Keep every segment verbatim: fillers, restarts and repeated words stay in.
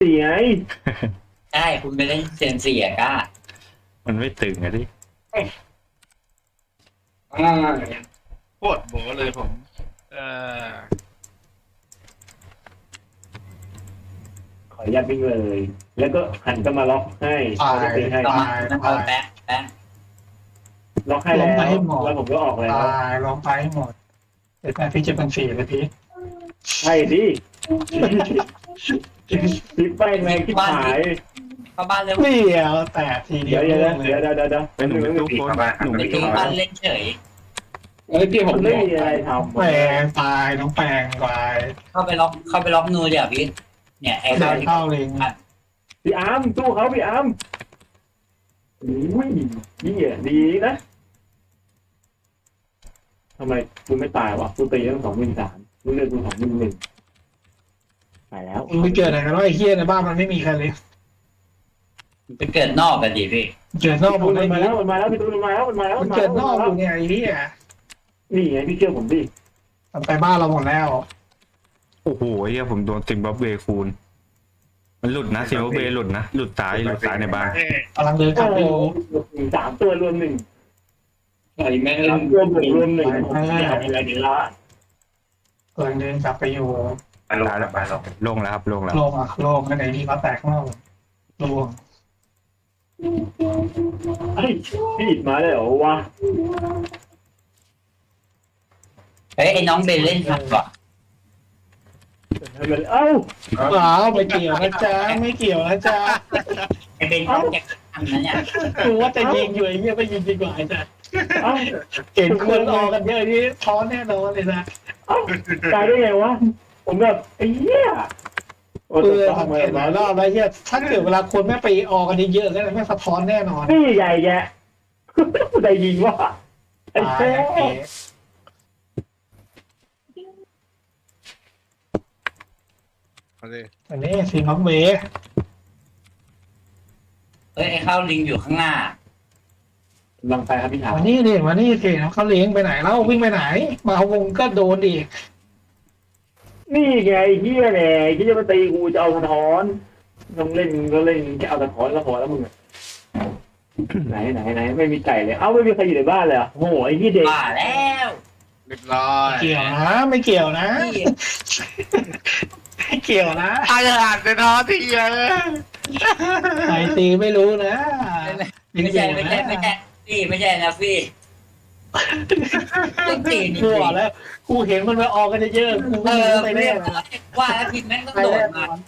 สี่ไงใช่คุณไปเล่นเซยนเสียก้ามันไม่ตึงอะดิอ่าโคตรโบเลยผมเออขออนุญาตวิ่งเลย แล้วก็หันก็มาล็อกให้ตายล็อกให้ต้องตายมันเอาแป๊ะแป๊ะล็อกให้แล้วแล้วผมก็ออกแล้วตายลงไปให้หมดเดี๋ยวแม่พี่จะเป็นสี่เลยพี่ใช่ดิพี่แป้งแรงที่หายเข้าบ้านเร็วเดียวแต่ทีเดีเดี๋ยยว วเดี๋ยวล่วงเลเดี๋ยวย เดี๋ยวเดี๋ยวเดี๋ยวเป็นหนูเป็นตู้คนหนูไปไม่ถึตู้งบ้านเล่นเฉยเอ้ยพี่ผมมันบไม่อกมีอะไรทำแปลงตายน้องแปลงตายเข้าไปล็อกเข้าไปล็อกนูเดี๋ยวพี่เนี่ยไอ้ได้ข้าวที่เข้าเลยพี่อาร์มสู้เขาพี่อาร์มอุ้ยนี่อ่ะดีนะทำไมคุณไม่ตายวะคุณตีตั้งสองหมื่นสามคุณเลือกคุณสองหมื่นหนึ่งตายแล้วมึงไปเกิดไหนกันว่าไอ้เฮียในบ้านมันไม่มีใครเลยไปเกิดนอกกันดิพี่เกิดนอกหมมัดนเลยมาแล้วมันมาแล้วพี่ตูนมันมาแล้วมันมาแล้วมันเกิดนอกอยู่เนี่ยไอ้เฮียนี่ไงพี่เชื่อผมดิมันไปบ้านเราหมดแล้วโอ้โหเฮียผมโดนซิมบับเวคูณมันหลุดนะซิมบับเวหลุดนะหลุดซ้ายหลุดซ้ายในบ้านกำลังเดินกลับไปอยู่สามตัวรวมหนึ่งไอ้แม่งเล่สามนตัวบวกรวมหนึ่งอะไรดีละกำลังเดินกลับไปอยู่ตายแล้วลงแล้วครับลงแล้วโลงอ่ะโลงกันไหนนี่เขาแตกข้างนอกโลงไอ้พี่อิดมาเลยเหรอวะเฮ้ยไอ้น้องเบนเล่นทันว่ะเอ้าเปล่าไม่เกี่ยวนะจ๊ะไม่เกี่ยวนะจ๊ะไอ้เบนเขาแจกทันนะเนี่ยกูว่าจะยิงอยู่ไอ้เหี้ยไม่ยิงดีกว่าไอ้จ๊ะเอ้าเห็นคนออกกันเยอะนี่ท้อนแน่นอนเลยนะเอ้าตายได้ไงวะผมแบบไอ้เหี้ยโอ้เอตอสังเกตหลายรอบแล้วเหี้ยถ้าเกิดเวลาคนไม่ไปออกกันเยอะๆแล้วไม่สะท้อนแน่นอนนี่ใหญ่แยะได้ยิงวะไอ้ตายแท้นะเก๋เอาดิอันนี้ซีน็อกเวเฮ้ยไอ้ข้าวลิงอยู่ข้างหน้าลังไปครับพี่ถามมานี่ดิมานี่สิเขาเลี้ยงไปไหนแล้ววิ่งไปไหน มาวงก็โดนอีกนี่ไงไอ้เหี้ยแหละที่จะมาตีกูจะเอาสะท้อนต้องเล่นก็เล่นแค่เอาสะท้อนก็พอแล้วมึงไหนไหนไหนไม่มีไก่เลยเอ้าไม่มีใครอยู่ในบ้านเลยโอ้โหไอ้เหี้ยเด็กบ้าแล้วเรียบร้อยเกี่ยวนะไม่เกี่ยวนะพี่ไม่เกี่ยวนะตายหาดในท้อที่เยอะใครตีไม่รู้นะไม่ใช่ไม่ใช่ไม่ใช่พี่ไม่ใช่นะพี่ต้องตีนกูบอกแล้วกูเห็นมันไปออกกันเยอะๆกูเอไม่อรู้ไปเรีแน่ยบนะร้อยว่าแล้วพี่แม่งต้องไปโดแน่ดนมาอน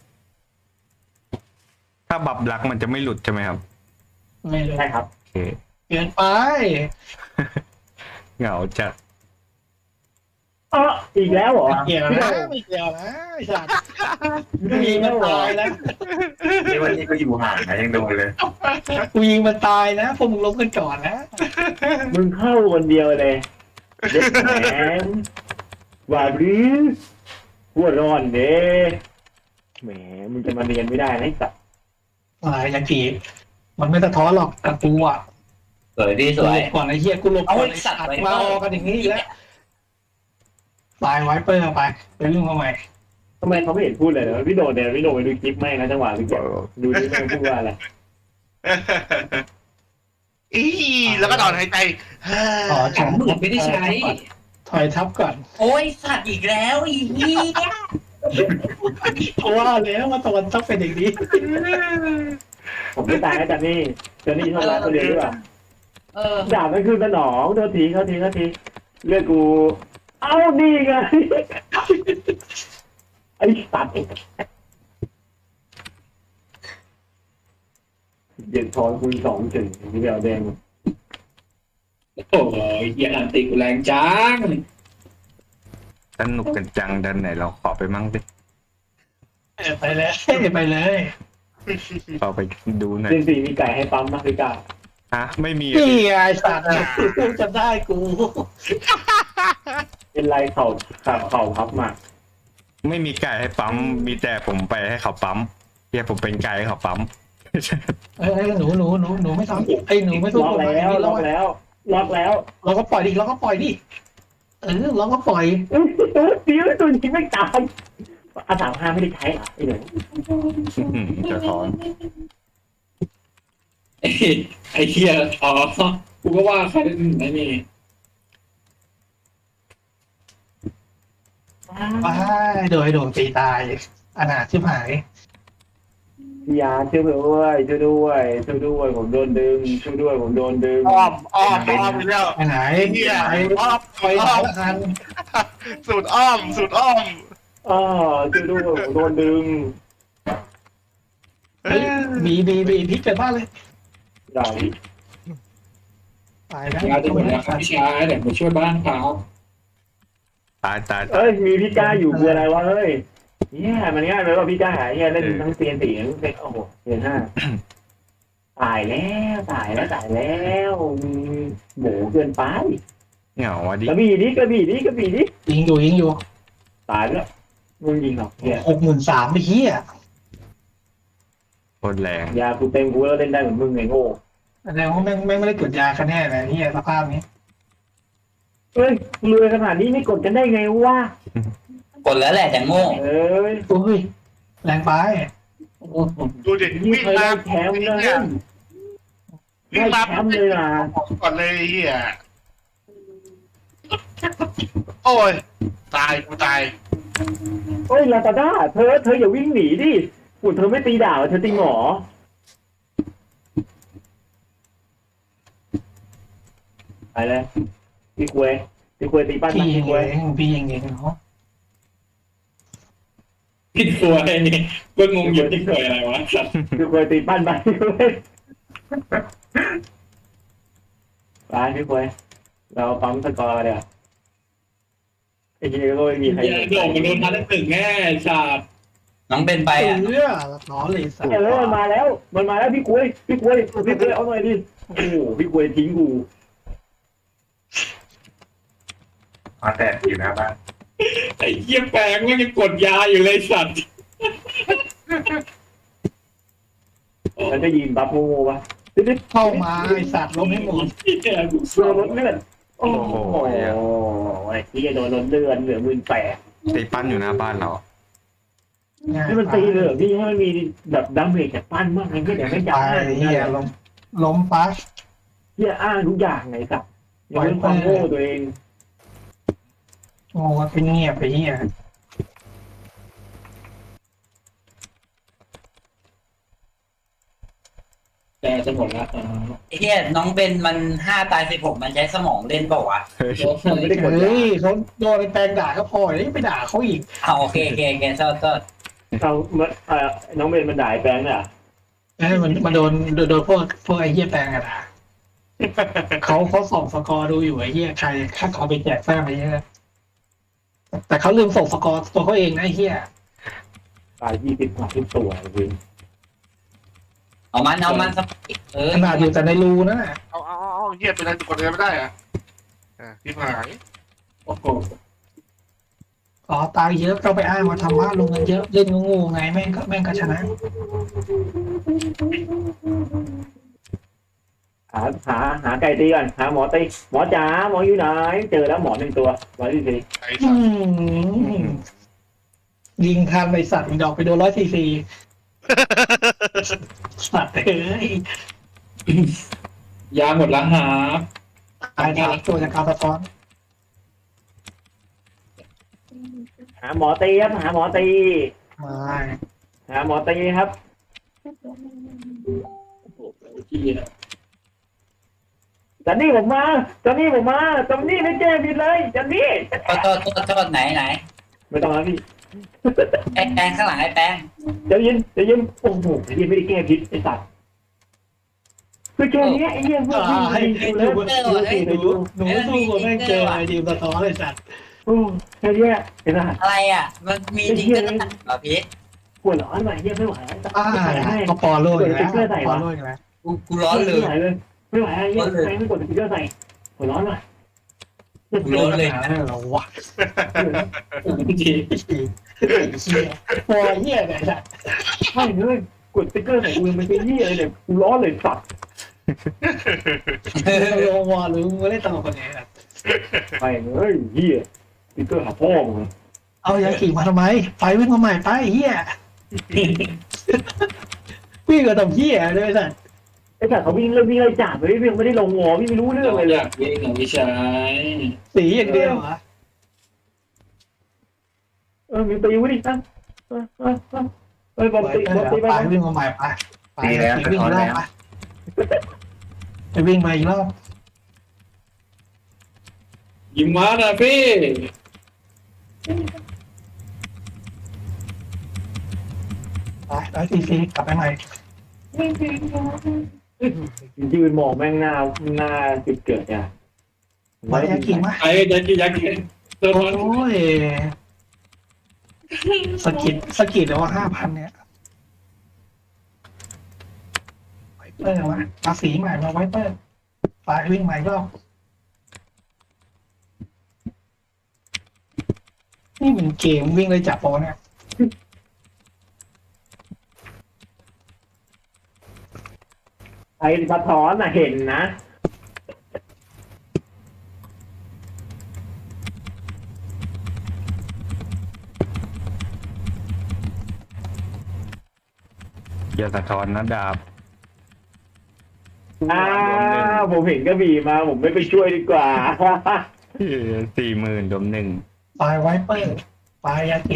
ถ้าบับลักมันจะไม่หลุดใช่ไหมครับไม่รู้ใช่ครับโอเคเกินไปเหงาจัดเอออีกแล้วเหรอไม่เกี่ยวนะไม่เกี่ยวนะไอ้สัตว์กูยิงมันตายนะนี่วันนี้ก็อยู่ห่างนะยังโดนเลยกูยิงมันตายนะพวกมึงล้มกันก่อนนะมึงเข้าคนเดียวเลยเด็กแหมว่าหรือหัวร้อนเด้แหมมึงจะมาเรียนไม่ได้นะไอ้สัตว์อะไรยากีมันไม่สะท้อนหรอกกับกูอ่ะสวยพี่สกูวหลยบก่อนไอ้เหี้ยกูหลบเอาก่อนไอ้ไอ้สัสัตตว์ว์ไว้มาออกกันอย่างนี้อีกแล้วตายไว้เปอร์ไปไปเรื่องมาใหม่ทำไมเขาไม่เห็นพูดเลยเหรอพี่โดดเนี่ยพี่โดดไปดูคลิปแม่งนะจังหวะพี่เก็บดูดิแม่งพูดว่าอะไรอีแล้วก็ถอนหายใจขอสองหมื่นไม่ได้ใช้ถอยทับก่อนโอ้ยสัตว์อีกแล้วอีนี่เพราะว่าแล้วมาตะวันต้องเป็นอย่างนี้ผมไม่ตายนะจันนี่จันนี่ชอบรักคนเดียวหรือเปล่าเออด่ามันคือสนองโทษทีเขาทีเขาทีเลือกกู เอ้านี่ไงไอ้สัตว์เย็นทอนคุณสองถึงพี่เดียวแดงโอ้ยเหี้ยอันติกูแรงจังสนุกกันจังดันไหนเราขอไปมั่งดิไปเลยไปเลยขอไปดูหน่อยเจนสี่มีไก่ให้ปั๊มมากพี่กาฮะไม่มีนี่ไงสัตว์กูจะได้กูเป็นไรเข่าขาเข่าพับมาไม่มีไก่ให้ปั๊มมีแต่ผมไปให้เขาปั๊มเฮียผมเป็นไก่ให้เขาปั๊มเอ้ยหนูหนูหนูหนูไม่ทำไอ้หนูไม่สู้ล็อกคนแล้วนี้ล็อกแล้วล็อกแล้วเราก็ปล่อยดิเราก็ปล่อยดิเออเราก็ปล่อยตัวเดียวตัวนี้ไม่ตายอาสามห้าไม่ได้ใช้เหรอไอ้เหนืออื้อหือจะถอนไอ้ไอ้เหี้ยอ๋อกูก็ว่าใครไอ้นี่ว้ายโดยโดนตีตายอนาถชิบหายพี่ยาช่วยด้วยช่วยด้วยช่วยด้วยผมโดนดึงช่วยด้วยผมโดนดึงอ้อมอ้อมอ้อมไปแล้วไปไหนเฮียไปอ้อมไปไหนอ้อมละกันสูตรอ้อมสูตรอ้อมอ๋อช่วยด้วยผมโดนดึงเฮ้ยบีบีบีพลิกเกิดบ้านเลยใหญ่ตายแล้วยาจะหมดแล้วครับพี่ชายเดี๋ยวมาช่วยบ้านเขาตายตายตายเอ้ยมีพี่ก้าอยู่คืออะไรวะเฮ้ยเนี่ยมันง่ายไหมว่าพี่ก้าหายเนี่ยเล่นทั้งเซียนสี่ทั้งเซโอ้โหเซียนห้าตายแล้วตายแล้วตายแล้วโหเกินไปเหงาวะดิกระบี่ดิกระบี่ดิกระบี่ดิยิงอยู่ยิงอยู่ตายแล้วมึงยิงหรอกเนี่ยหกหมื่นสามไปเฮียโคตรแรงยากูเต็มกูแล้วเล่นได้เหมือนมึงไงโง่แสดงว่าแม่งแม่งไม่ได้กดยาคะแนนเลยเฮียสภาพนี้เฮ้ยรวยขนาดนี้ไม่กดกันได้ไงวะกดแล้วแหละจะโง่เอ้ยโอ้ยแรงไปโอ้โหดูดิยิ่งวิ่งเคยมาได้แชมป์เลยวิ่ได้งมาแชมป์เลยนะก่อนเลยไอ้เฮียโอ้ยตายกูตายเฮ้ยลาตาด้าเธอเธออย่าวิ่งหนีดิปุ่นเธอไม่ตีดาวเธอตีหมอไปเลยพี่ควยพี่ควยตีปั้นพี่นะยิพี่งควยเองพี่ยิงเองเนาะผิดตัวไอ้นี่ก็งงอยู่ที่เคยอะไรวะสัตว์พี่ควยตีปั้นไปพี่ควยไปพี่ควยเราปั๊มสกอร์เดี๋ยวไอ้ทีนี้ก็ไม่มีใครเหี้ยโดดมันโดนทันตึกแน่ชาติน้องเป็นไปอ่ะเรือล้อเลยสัตว์เออมันมาแล้ว มันมาแล้วพี่ควยพี่ควยพี่ควยเอาหน่อยดิโอ้โหพี่ควยทิ้งกูมาแตกอยู่หน้าบ้านไอ้เหี้ยแปลงมันยังกดยาอยู่เลยสัตว์แล้วจะยิงบัฟโง่ๆปะติ๊ดเข้ามาไอสัตว์ล้มให้หมดเหี้ยกูๆโดนรถเลือดโอ้โหไอ้ที่โดนรถเลือดเหลือหมื่นแปดตีปั้นอยู่หน้าบ้านเรานี่มันตีเลยเหรอพี่ให้มันมีแบบดัมเมจจากปั้นมากไงเดี๋ยวไม่ไปจ่ายเฮียล้มล้มปัสเฮียอ้างทุกอย่างไงสับอย่าเป็นความโง่ตัวเองโง่เป็นเงียบไปเฮียแต่จะหมดละอ๋อไอ้เหี้ยน้องเป็นมันห้าตายสิบหกมันใช้สมองเล่นเปล่าวะเฮ้ยมันไม่ได้กดเฮ้ยเขาโดนไอ้แปลงด่าก็พอแล้วไปด่าเขาอีกเอาโอเคโอเคโอเคโทษโทษเอาเอ่อน้องเบนมันด่าแปลงเนี่ยเอ้ยมันมันโดนโดนโดนพวกพวกไอ้เหี้ยแปลงอะด่าเขาเขาส่งสกอร์ดูอยู่ไอ้เหี้ยใครถ้าเขาไปแจกแฟ้มไอ้เหี้ยแต่เขาลืมส่งสกอร์ตัวเขาเองนะไอ้เหี้ยตายยี่สิบกว่าทุกตัวจริงเอามันเอามันสักเออขนาดอยู่แต่ในรูนั่นน่ะเอาเอาเอาเอาเฮียเป็นอะไรกดอะไรไม่ได้อะอ่ะที่หายโอ้โหอ๋อตายเยอะก็ไปอ้างว่าทำบ้านลงเงินเยอะเล่นงูๆไงแม่งก็แม่งก็ชนะหาหาหาไก่ตีก่อนหาหมอตีหมอจ๋าหมออยู่ไหนเจอแล้วหมอหนึ่งตัวหมอที่สี่ไอ้อืสัตว์มยิงทันไปสัตว์อีกดอกไปโดนร้อยสี่สี่สัตว์เอ้ยยาหมดละหาตายทางตัวจากการสะท้อนหาหมอตีครับหาหมอตีมาหาหมอตีครับโอ้โหที่จันนี่ผมมาจันนี่ผมมาจันนี่ไม่แก้ผิดเลยจันนี่โทษโทษโทษโทษไหนไหนไม่ต้องแล้วพี่ไอ้แปงข้างหลังไอ้แปงเดี๋ยวยินเดี๋ยวยินโอ้โหไอ้เหี้ยไม่ได้แก้ผิดไอ้สัตว์คือแค่นี้ไอ้เหี้ยเพื่อนพี่ให้ยิงหนูกูเลยหนูหนูสู้กับแม่งเจอไอ้ทีมสะท้อนเลยสัตว์โอ้แค่นี้ไอ้สัตว์อะไรอ่ะ มันมีจริงก็ได้เหรอพี่ปวดร้อนว่ะเหี้ยไม่ไหวอ่าก็ปอโลยแล้วปอโลยแล้วกูกูร้อนเลยไม่ไหวเลยไม่ไหวไอ้เหี้ยใครไม่กดสติ๊กเกอร์ใส่ปวดร้อนว่ะกูร้อนเลยเราวะที่เชี่ยปอเหี้ยเนี่ยสัตว์ไม่เลยกดสติ๊กเกอร์ใส่กูยังไม่เป็นเหี้ยเลยเนี่ยกูร้อนเลยสัตว์โลวอหรือมึงเล่นตลกกันไงสัตว์ไม่เลยเหี้ยสติ๊กเกอร์หาพ่อมึงเเอายาขี่มาทำไมไปวิ่งมาใหม่ไปเฮียวิ่งกับตำเฮียด้วยสัตว์ไอ้สัตว์เขาวิ่งเริ่มวิ่งไล่จับเลยพี่ไม่ได้ลงงอพี่ไม่รู้เรื่องเราเลยเลอย ยากวิ่งของพี่ชายสีอย่างเดียวเหรอเออมีตีวุ้ดิตั้งเออเออเออเออบอลตีบอลตีไปไปวิ่งมาใหม่ไปไปวิ่งรอบไปไปวิ่งมาอีกรอบยิงมานะพี่ไปร้อยสี่สิบกลับไปใหม่ยืนมองแม่งหน้าหน้าจุดเกิดอ่ะไปยาขี่มาไอ้ยักษ์ยักษ์ตัวโอ้นั้นยสกิดสกิดแล้วว่าห้าพันเนี่ยไวเปอร์วะมาสีใหม่มาไวเปอร์ไปวิ่งใหม่รอบนี่เป็นเกมวิ่งเลยจับโปเนี่ยไอ้สะท้อนอ่ะเห็นนะอย่าสะท้อนนะดาบอ้าวผมเห็นกระบี่มาผมไม่ไปช่วยดีกว่าสี่หมื่นดมหนึ่งไปไวเปอร์ไปยากิ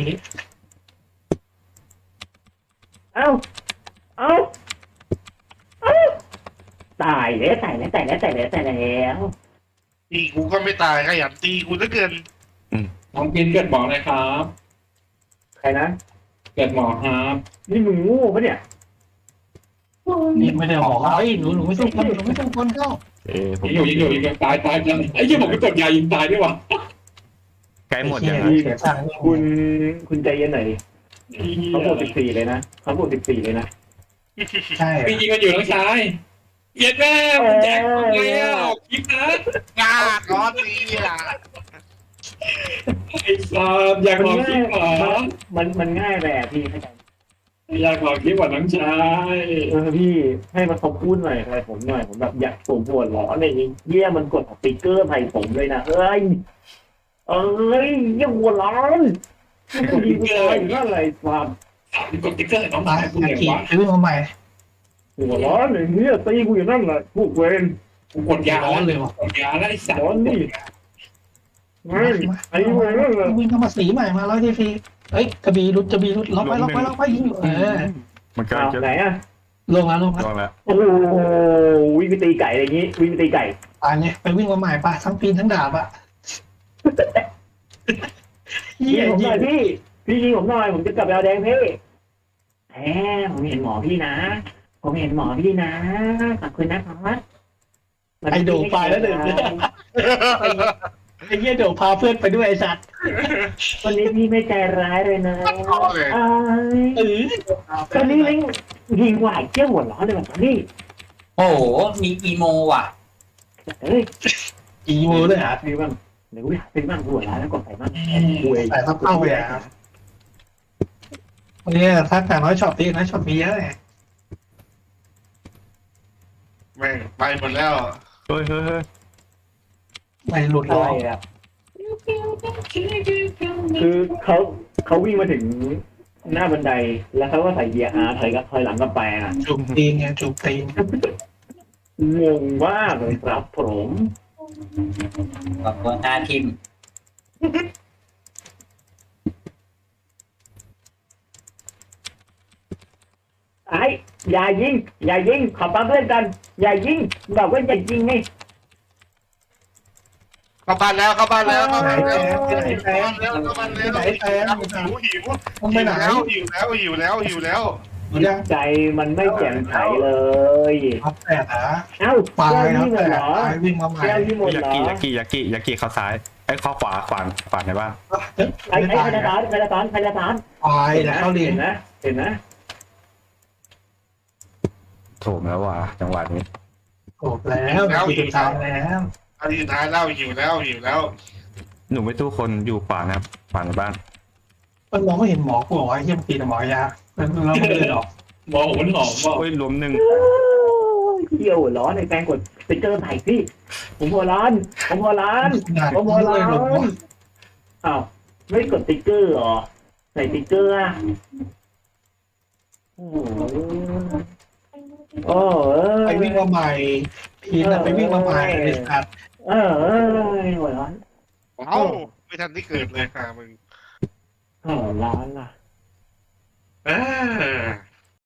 เอ้าเอ้าเอ้าตายแล้วตายแล้วตายแล้วตายแล้วตายแล้วตีกูก็ไม่ตายขยันตีกูเหลือเกินน้องกินเกิดหมอนะครับใครนะเกิดหมอครับนี่มึงโง่ปะเนี่ยนี่ไม่ได้บอกว่าเฮ้ยหนูหนูไม่ต้องคนหนูไม่ต้องคนเข้าเอ้ผมยิงอยู่ยิงอยู่ยิงตายตายตายไอ้ยี่ผมไปกดยายิงตายด้วยวะใกล้หมดยังไอ้ไงเหี้ยเสียสั่งคุณคุณใจเย็นหน่อยเขาบวกสิบสี่เลยนะเขาบวกสิบสี่เลยนะใช่พี่ยิงกันอยู่น้องชายเย็ดแม่ผมแจ็คทำไงอ่ะคลิปนะงาก้อนนี้อ่ะไอ้ซามอยากลองคลิปเหรอมันมันง่ายไปอ่ะพี่เข้าใจอยากลองคลิปกว่าน้องชายเออพี่ให้มันเขาพูดหน่อยอะไรผมหน่อยผมแบบอยากผมปวดร้อนอะไรอย่างเงี้ยเยี่ยมันกดสติ๊กเกอร์ใส่ผมเลยนะเอ้ยเอ้ยเยี่ยหัวร้อนกูยิงกูตายอยู่นั่นอะไรความกดติ๊กเกอร์น้องไปชายกูยาเหนื่อยกิวะไปวิ่งมาใหม่หัวร้อนอย่างเงี้ยตีกูอยู่นั่นแหละพวกเวรกูกดยาร้อนเลยว่ะกดยาแล้วไอ้สัตว์ร้อนนี่เฮ้ยไอ้เวรนั่นแหละวิ่งเข้ามาสีใหม่มาร้อยทีทีเอ้ยกระบี่รุดกระบี่รุดล็อกไว้ล็อกไว้ล็อกไว้ยิงอยู่เออมันก็อ้าวจะไหนอ่ะลงแล้วลงแล้วลงแล้วโอ้โหวิ่งไปตีไก่อะไรอย่างงี้วิ่งไปตีไก่ตายเนี่ยไปวิ่งมาใหม่ปะทั้งปีนทั้งดาบอะยิเยี่งยผมหยิน่อยงพี่พี่ยิงผมหน่อยผมจะกลับไปเอาแดงพี่แหมผมเห็นหมอพี่นะผมเห็นหมอพี่นะขอบคุณนะครับไอโดไปแล้วเดินไอเยี่ยโดพาเพื่อนไปด้วยไอสัตว์วันนี้พี่ไม่ใจร้ายเลยนะท้อเลยอ้ายเออตอนนี้ลิงยิงหวายเจ้าหัวร้อนเลยแบบนี้โอ้โหมีอีโมว่ะเอ้ยอีโมเลยอ่ะซื้อบ้างเดี๋ยวกูหาซื้อบ้างหัวร้อนแล้วกดใส่บ้างกูเองแต่ถ้าเข้าไปอ่ะวันนี้ถ้าแต่น้อยช็อปดีน้อยช็อปมีเยอะไงแม่งไปหมดแล้วเฮ้ยเฮ้ยเฮ้ยไม่หลุดอะล้ไรออ่ะคือเขาเขาวิ่งมาถึงหน้าบันไดแล้วเขาก็ใส่เกียร์อาร์ถอยกับถอยหลังกับแปรอ่ะจูบตีนไงจูบตีนงงมากเลยครับผมกับตัวหน้าทีมไอ้อย่ายิงอย่ายิงขอปั๊มเพื่อนกันอย่ายิงบอกว่าอย่ายิงไงเข้าบ้านแล้วเข้าบ้านแล้วเข้าไหนบ้านแตแล้วงไหนแตงเข้าบ้านแล้วไหนแตงหิวหิวมันไปไหนแล้วหิวแล้วหิวแล้วหิวแล้วยังใจมันไม่แจ่มใสเลยพับแต่นะเอ้าปลายแก้วครับนี่หมแต่ดเหรอปลายวิ่งมาใหม่แก้วนี่หมดยาเหรอกิยากิยากิยากิเข้าซ้ายไอ้ยเข้าขวาขวานขวานในบ้านไอ้ไอ้ใครจะตานใครจะตานใครจะตานปลายแล้วเข้าเรียนเห็นนะเห็นนะโถมแล้วว่ะจังหวะนี้จบแล้วคือสุดท้ายแล้วอันนี้ท้ายแล้วหิวแล้วหิวแล้วหนูไม่ตู้คนอยู่ขวานะครับขวานในบ้านมันมองไม่เห็นหมอกูบอกว่าเยี่ยมตีแต่หมอยาแล้วไม่เลยหรอกหมอหัวหอมบอกโอ้ยรวมหนึ่งเที่ยวหัวร้อนในแปลงกดสติ๊กเกอร์ใส่พี่ผมหัวร้อนผมหัวร้อนขนาดผมหัวร้อเลยหรอกนอ้าวไม่กดติ๊กเกอร์เหรอใส่ติ๊กเกอร์อ่ะโอ้โหโอ้เออไปวิ่งมาใหม่พีนอะไปวิ่งมาใหม่เลยครับเออเออหัวร้อนเอ้าไม่ทันที่เกิดเลยค่ะมึงหัวร้อนล่ะเออ